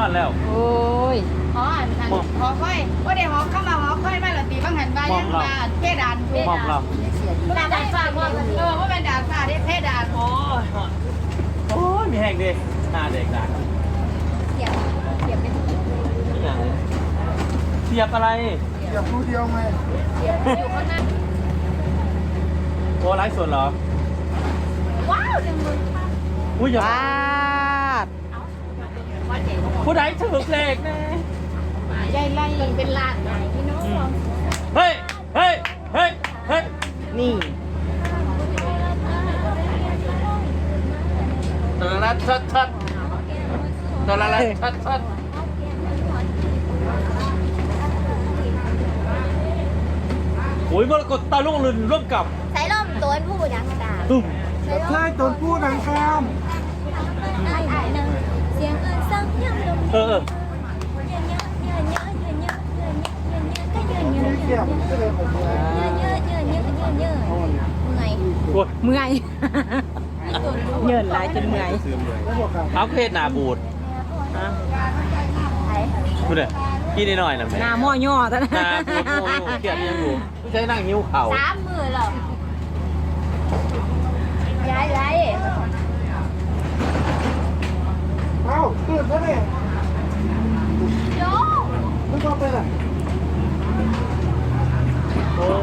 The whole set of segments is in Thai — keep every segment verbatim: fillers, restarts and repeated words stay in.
อนแล้วโอ้ยหออันนั้นหอค่อยว่าได้หอเข้ามาหอค่อยมาหรอตีบางหันบ้านยังบ้านเพดานเพดานดานดานฟ้าว่าเออว่าเป็นดานฟ้าได้เพดานโอ้ยโอ้ยมีแห้งดิหน้าเด็กด่าเสียบเสียบเป็นเสียบอะไรเสียบรูเดียวไงเสียบอยู่ข้างหน้าโอ้ไลฟ์สดเหรอว้าวหนึ่งหมื่นอุ้ยอย่าผู้ใดถือเลขแน่ใหญ่ไล่เป็นล้านไหนพี่น้องเฮ้ยเฮ้ยเฮ้ยเฮ้ยนี่ตะละชัดชัดตะละละชัดชัดโอ้ยมรกตตาลุกลืนร่วมกับใส่ล่มตัวผู้ยังตาตุ้มใช่ต้นพูดหนังข้ามเสียงอื่นซ้ำย้ำลงเออเสียบก็เลยผมเลยเมื่อยเงินหลายจนเมื่อยเอาเพศนาบูดพูดเลยพี่นิดหน่อยนะแม่หน้าหม้อย่อท่านนาบูดโม่เขียดยังอยู่ไม่ใช่นั่งหิ้วเข่าสามมือหรอย้ายย้ายเอ้าตื่นแล้วเนี่ยโย่ไม่ต้องไปไหนโอ้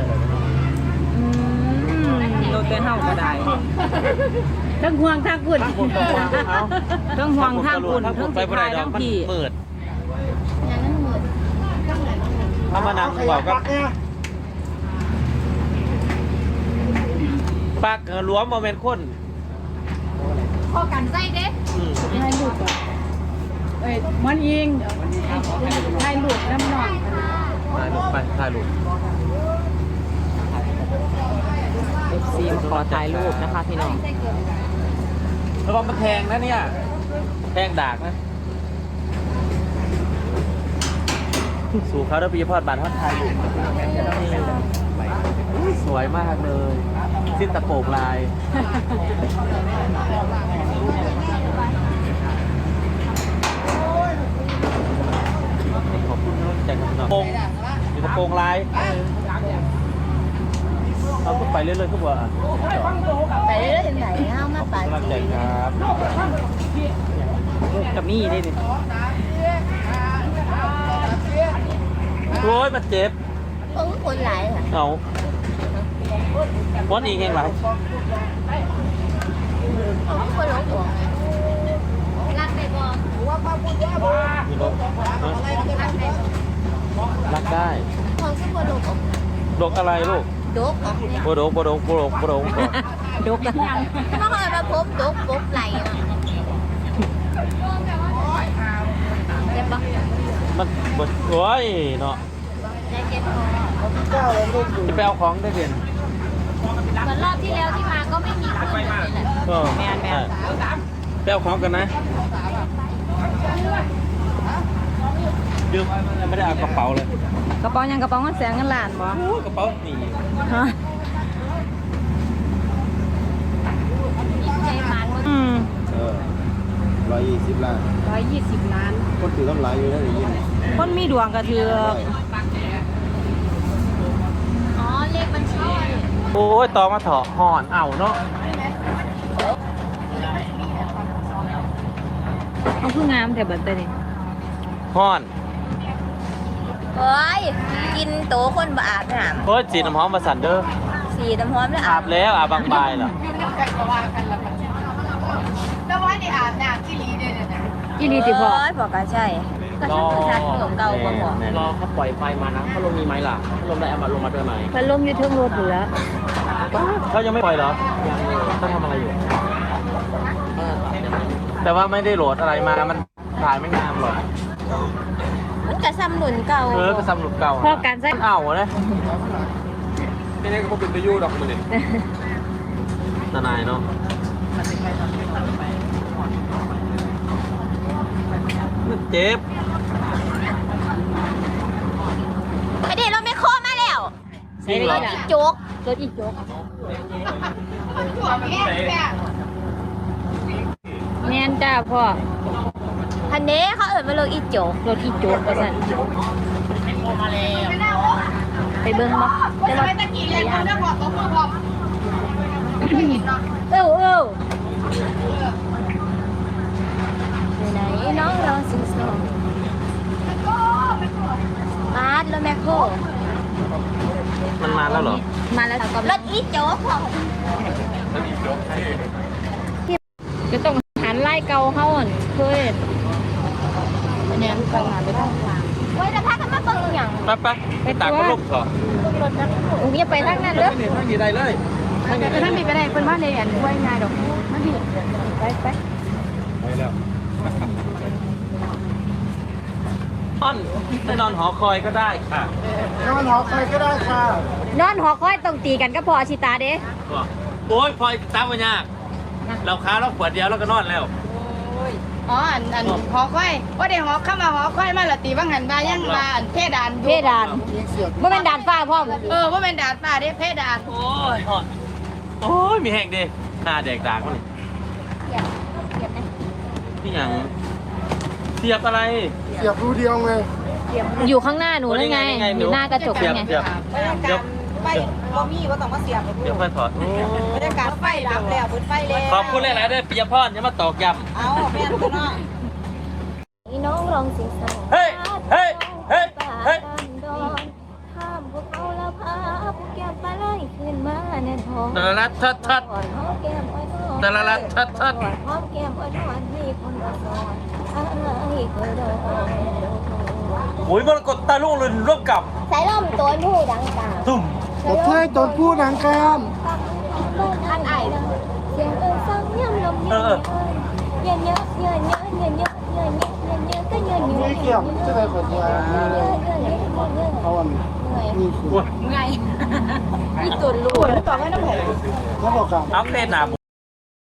โดนเต้นเฮาก็ได้ทั้งห่วงทั้งปุ่นทั้งห่วงทั้งปุ่นทั้งสุดท้ายทั้งพี่เปิดอย่างนั้นหมื่นถ้ามานั่งบอกก็ปากล้วมโมเมนต์คนพอกันใจเด้ให้ลูกอ่ะเอ้ยมันยิงให้ลูกน้ำหน่อยถ่ายรูปไปถ่ายรูปเอฟซีขอถ่ายรูปนะคะพี่น้องระวังมันแทงนะเนี่ยแทงดากนะสู่เขาได้ปีพอดบานทอดไทยสวยมากเลยสิ้นตะโปกลายขอบคุณใจกับน้องโป่งอยู่ตะโปงลายเขาก็ไปเรื่อยๆก็บอกไปเรื่อยๆไหนเอามาไปกำลังใจครับกับมี่ได้ดิโอ้ยมันเจ็บโอ้คนหลายค่ะเอาวันอีกแห่งไรโอ้คนหลงหัวรักได้บ่มีรถรักได้ของซึ่งคนหลงดกอะไรลูกดกออกเนี่ยโบดกโบดกโบดกโบดกดกกันยังเมื่อก่อนมาพบดกปุ๊บไหลเจ็บปะมันบดโอ้ยเนาะได้เจ็บคอจะไปเอาของได้เด่นเหมือนรอบที่แล้วที่มาก็ไม่มีคนเลยแหละแมนแมนไปเอาของกันนะยืมไม่ได้เอากระเป๋าเลยกระเป๋ายังกระเป๋าเงินแสนเงินล้านบ่กระเป๋าหนีฮะใจมันอืมเออร้อยยี่สิบล้านร้อยยี่สิบล้านคนถือต้องหลายอยู่แล้วอย่างนี้คนมีดวงก็ถืออ๋อเลขบัญชีโอ้ยตอมาเถาะห่อนเอาเนาะเอาคืองามแต่เบิดแต่นี่ห่อนเฮ้ยกินโตคนบอาบน้ำเฮ้ยสีน้ำหอมมาสั่นเด้อสีน้ำหอมแล้วอาบแล้วอาบบางใบเหรอแล้วว่าได้อาบน้ำที่ลีเด้อนะอีลีติพอบอกก็ใช่ก็ฉันก็ชักเก่าเก่าบ่บอกรอเขาปล่อยไฟมานะเขาลมมีไหมล่ะเขาลมได้เอามาลงมาด้วยไหมพัดลมอยู่ทั้งรถอยู่แล้วเขายังไม่ปล่อยเหรอยังเขาทำอะไรอยู่แต่ว่าไม่ได้โหลดอะไรมามันถ่ายไม่งามหรอกมันกระซ้ำหนุนเก่าเออกระซ้ำหนุนเก่าพอการใช้เอาเลยไม่ได้ก็เป็นไปยู่ดอกมันเลยทนายเนาะเจ็บไอเด็กเราไม่โคมาแล้วจริงเหรอโจ๊กรถอีกโจ๊กแมนจ้าพ่อไอคันนี้เขาเอิ้นว่ารถอีโจกรถอีโจกว่าซั่นไปเบิ่งบ่แต่ว่าตะกี้เลยคนเด้อพอตบมือพอไม่เห็นเนาะเอ้าเอ้าไปไหนน้องรอสิงสองมาดรถแมคโครมันมาแล้วเหรอมาแล้วรถอีโจกพ่อมันอีกยกให้จะต้องหันไล่เก่าเฮาอั่นเคยเนี่ยต้องหาไปต้องวางไว้แล้วพากันมาเบิ่งอีหยังไปไปไปตากพัดลมเถอะอุ้งอย่าไปทางนั้นเด้อนี่ทางนี้ได้เลยทางนี้ถ้ามีไปได้เพิ่นว่าในอันไว้ง่ายดอกมันมีไปไปไปแล้วนอนไปนอนหอคอยก็ได้ค่ะนอนหอใครก็ได้ค่ะนอนหอคอยต้องตีกันก็พอชิตาเด้โอ้ยพลอยตามมันยากเราค้าเราขวดเดียวแล้วก็นอนแล้วอ๋ออันอันหอคอยว่าได้หอเข้ามาหอคอยมาละตีบางหันบายังบาอันเพดานเพดานบ่แม่นดานฟ้าพร้อมเออว่าเป็นดาดฟ้าเด้เพดานโอ้ยหอดโอ้ยมีแห้งดิหน้าแดกดากมันนี่ยังเสียบอะไรเสียบรูเดียวไงอยู่ข้างหน้าหนูนั่นไงนี่ไงอยู่หน้ากระจกเสียนั่บนไงเสียบบรรยากาศไปบ่มีว่าต้องมาเสียบเดี๋ยวค่อยถอดบรรยากาศไฟดับแล้วเปิดไฟแล้วขอบคุณหลายๆด้วยปิยพรอย่ามาตอกย้เอาแม่นตัวเนาะนี่น้องรองสิงสองำเฮ้ยเฮ้ยเฮ้ยเฮ้ยข้ามพวกเขาแล้วพาพวกแก้มปลาไหลขึ้นมาแน่นอนตะละลัดทัดทัดก่อนหอมแก้มอ้อยทอดตะละลัดทัดทัดก่อนหอมแก้มอ้อยทอดให้คนละซอนให้เคยโดนโอ้ยมรกตตาลุ่งลืนร่วมกับสายลมตัวผู้ดังกล่าวตุ่มกดเท้ยตนผู้นางกามอันไอเสียงเอิญฟังย่ำลมเย็นเย็นเยอะเย็นเยอะเย็นเยอะเย็นเยอะเย็นเยอะก็เย็นเยมีอะเกี่ยวจะได้ขดยาเยอะเยอะเยอะเยอะเอาอันนี่คือโอ้ยไงมีตุ่นลูกต่อให้น้ำแข็งเขาบอกกับเอาเล่นหนาบู